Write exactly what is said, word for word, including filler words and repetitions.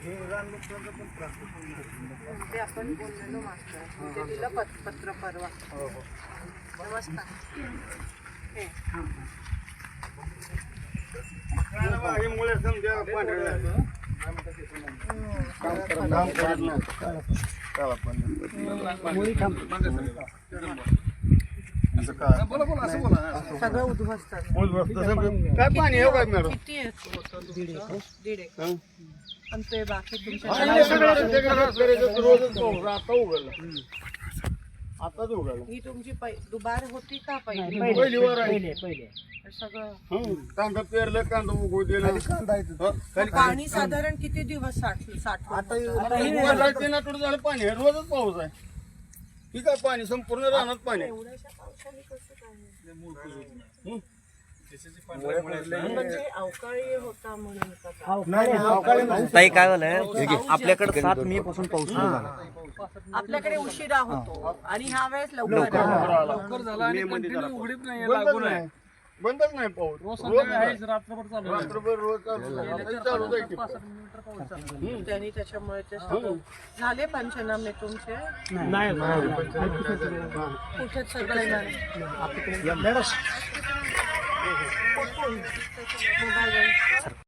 ते आपण बोललेलो मागच्या ते दिलं पत- पत्र परवा. नमस्कार. हे. सगळं उद्ध्वस्त काय पाणी आहे काय मॅडम? किती होतं तुमचं? दीड एकर. आणि ते बाकी तुमच्या रोजच पाऊस आता उघडला आताच उघडला. ही तुमची पै- दुबार होती का पहिली? पहिली वर आहे सगळं कांदा पेरलं कांदा उगवू दिला पाणी साधारण किती दिवस साठ साठ तीन आठवडे झालं पाणी आहे रोजच पाऊस आहे. ठीक आहे पाणी संपूर्ण रानात पाणी आहे. एवढ्याशा पावसाने कसं काय? हं? म्हणजे अवकाळी होता म्हणून का? ताई काय झालंय आपल्याकडे सात मे पासून पाऊस सुरू झाला. आपल्याकडे उशिरा होतो आणि ह्या वेळेस लवकर आला. लवकर झाला आणि उघडीप नाही लागून आहे. बंदच नाही पाऊस रोज रात्रभर चालू रात्रभर रोज चालू चालू जाईल. त्यांनी त्याच्यामुळे ते सगळं झाले पंचनामे तुमचे कुठे सगळे नाही. मोबाईल